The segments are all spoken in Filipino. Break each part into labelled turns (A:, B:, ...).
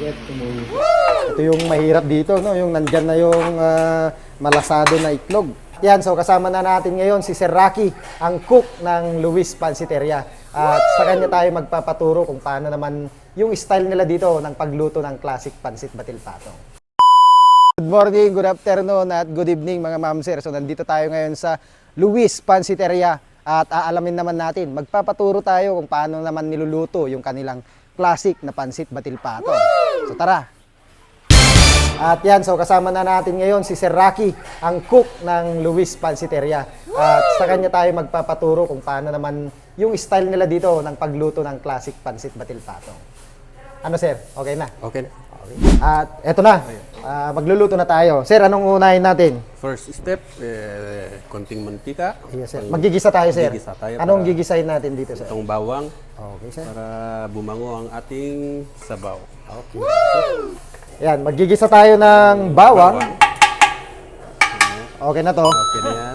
A: Yes, ito yung mahirap dito, no? Yung nandyan na yung malasado na itlog. Yan, so kasama na natin ngayon si Sir Rocky, ang cook ng Luis Pansiteria. At sa kanya tayo magpapaturo kung paano naman yung style nila dito ng pagluto ng classic pansit batil patong. Good morning, good afternoon, at good evening mga ma'am sir. So nandito tayo ngayon sa Luis Pansiteria at aalamin naman natin, magpapaturo tayo kung paano naman niluluto yung kanilang classic na pansit batil patong. So tara! At yan, so kasama na natin ngayon si Sir Rocky, ang cook ng Luis Pansiteria. At sa kanya tayo magpapaturo kung paano naman yung style nila dito ng pagluto ng classic pansit batil patong. Ano sir? Okay na?
B: Okay.
A: At eto na, magluluto na tayo. Sir, anong unahin natin?
B: First step, konting mantika.
A: Yes, sir. Magigisa tayo, sir.
B: Magigisa tayo
A: Anong
B: para
A: gigisahin natin dito, sir?
B: Itong bawang
A: Okay, sir.
B: para bumango ang ating sabaw.
A: Okay. Yan, magigisa tayo ng bawang. Okay na to.
B: Okay na yan.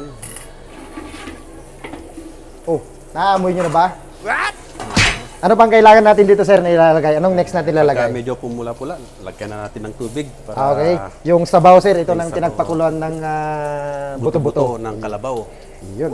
A: Oh, naaamoy nyo na ba? Ano pang kailangan natin dito, sir, na ilalagay? Anong next natin
B: Pagka
A: ilalagay?
B: medyo pumula-pula, lagyan na natin ng tubig para
A: Okay. Yung sabaw, sir, ito
B: Yung
A: nang
B: sabaw.
A: pinagpakuluan ng buto-buto.
B: ng kalabaw.
A: Yun.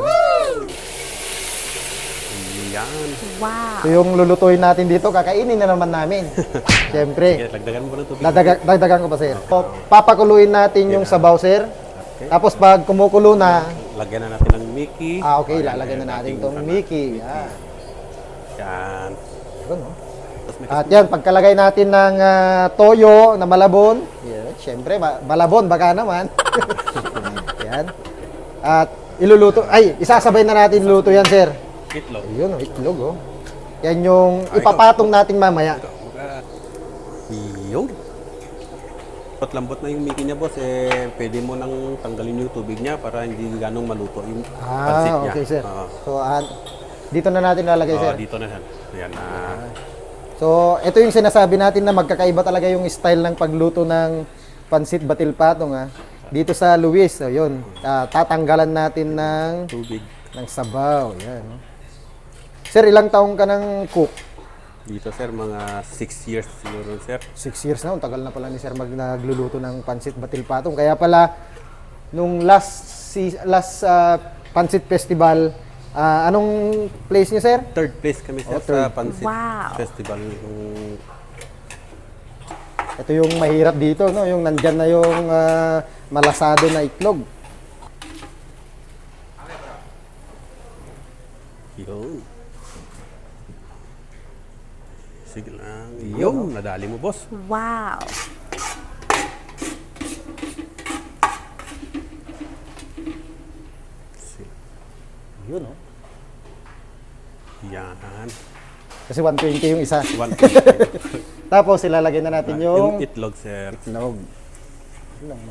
B: Yan.
A: So yung lulutuin natin dito, kakainin na naman namin. Siyempre.
B: Sige, lagdagan mo ng tubig.
A: Dagdagan ko pa, sir. So, papakuluin natin yung sabaw, sir.
B: Okay.
A: Tapos pag kumukulo na,
B: Lagyan na natin ng Mickey.
A: okay, lalagyan na natin itong Mickey. Yan.
B: Yan.
A: Yun, no?
B: Tapos may
A: At yan, pagkalagay natin ng toyo na malabon, yan, syempre, malabon, baka naman. Yan. At iluluto, isasabay na natin luto yan, sir.
B: itlog.
A: Yun, itlog, oh. Yan yung ipapatong natin mamaya.
B: Yung lambot na yung Mickey niya, boss, pwede mo nang tanggalin yung tubig niya para hindi ganong maluto yung pansit niya.
A: Okay, sir.
B: Oo.
A: So, dito na natin lalagay, sir.
B: Dito na yan. Ayan na.
A: So, ito yung sinasabi natin na magkakaiba talaga yung style ng pagluto ng pansit batil patong, ha. Dito sa Luis, so yun, tatanggalan natin
B: Tubig.
A: ng sabaw. Yan. Sir, ilang taong ka ng cook?
B: Dito, sir, mga 6 years siguro, sir.
A: 6 years na. Ang tagal na pala ni sir nagluluto ng pansit batil patong. Kaya pala, nung last pansit festival, anong place niyo, sir?
B: Third place kami, sir,
A: third.
B: sa Pansit Festival.
A: Ito yung mahirap dito, no? Yung nandyan na yung malasado na itlog.
B: Yun. Sige lang. Yun, nadali mo, boss.
C: Wow.
A: Yun, no?
B: Yan.
A: Kasi 120 yung isa.
B: 120.
A: Tapos ilalagay na natin yung
B: Yung itlog, sir.
A: itlog. Yun lang,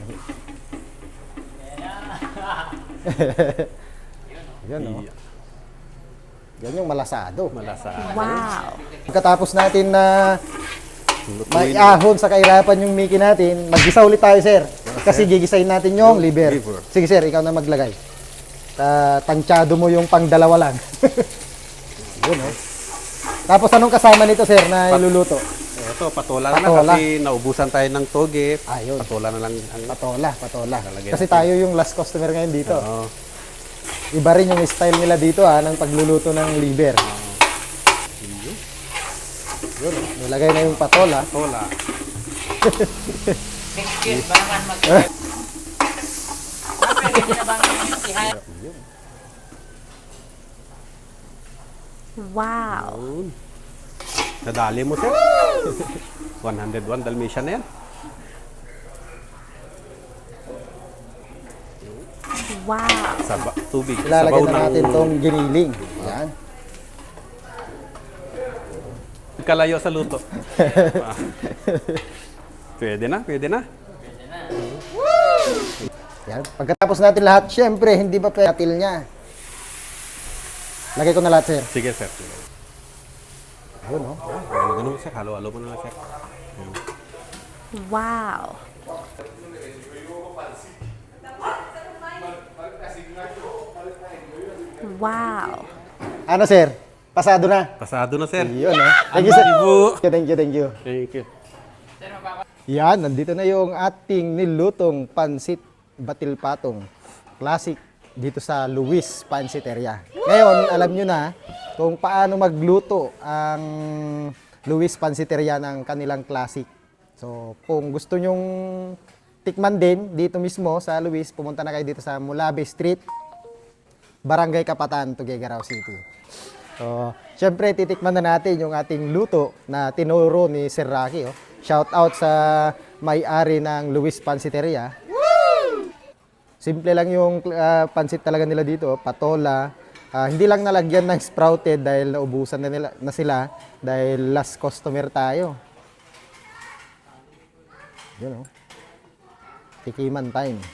A: Yan, no? Yan yung malasado.
B: Malasa.
C: Wow.
A: Pagkatapos natin na maiahon sa kahirapan yung Mickey natin, maggisa ulit tayo, sir. Kasi gigisahin natin yung liver. Sige, sir, ikaw na maglagay. Tansyado mo yung pangdalawa lang. Yun, no? Tapos anong kasama nito, sir, na iluluto?
B: Ito, patola na
A: Patola.
B: kasi naubusan tayo ng toge.
A: Ayun.
B: Patola na lang ang
A: Patola.
B: Lalagay
A: Kasi
B: natin.
A: tayo yung last customer ngayon dito.
B: Oo.
A: Iba rin yung style nila dito, ng pagluluto ng liver. Yun, nilagay na yung patola.
B: Patola.
C: Wow.
B: Yun. Nadali mo, sir. 101 Dalmatian na yan.
C: Wow.
B: Tubig.
A: Ilalagay
B: Sabaw
A: na natin tong giniling. Yan.
B: Kalayo sa luto. Ah. Pwede na, pwede na.
A: Yan. Pagkatapos natin lahat, syempre, hindi ba patil niya? Lagay ko na lahat, sir.
B: Sige, sir. Sige.
A: Yun, no?
B: Ganun, sir. Halo-halo mo na lang, sir.
C: Wow. Wow.
A: Ano, sir? Pasado na.
B: Pasado na, sir.
A: Yun, no? Thank you, sir.
B: Thank you.
A: Thank you, thank you.
B: Thank you.
A: Yan, nandito na yung ating nilutong pansit batil patong. Classic dito sa Luis Pansiteria. Ngayon, alam nyo na kung paano magluto ang Luis Pansiteria ng kanilang classic. So, kung gusto nyong tikman din dito mismo sa Luis, pumunta na kayo dito sa Mulabe Street, Barangay Kapatan, Tuguegarao City. So, syempre titikman na natin yung ating luto na tinuro ni Sir Rocky. Oh. Shout out sa may-ari ng Luis Pansiteria. Simple lang yung pansit talaga nila dito, patola. Hindi lang nalagyan ng sprouted dahil naubusan na sila dahil last customer tayo. Yun oh. Tikiman time.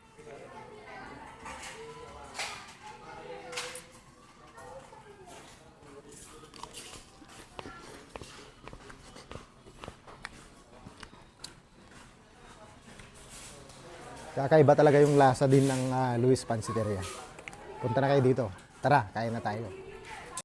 A: Kakaiba talaga yung lasa din ng Luis Pansiteria. Punta na kayo dito. Tara, kain na tayo.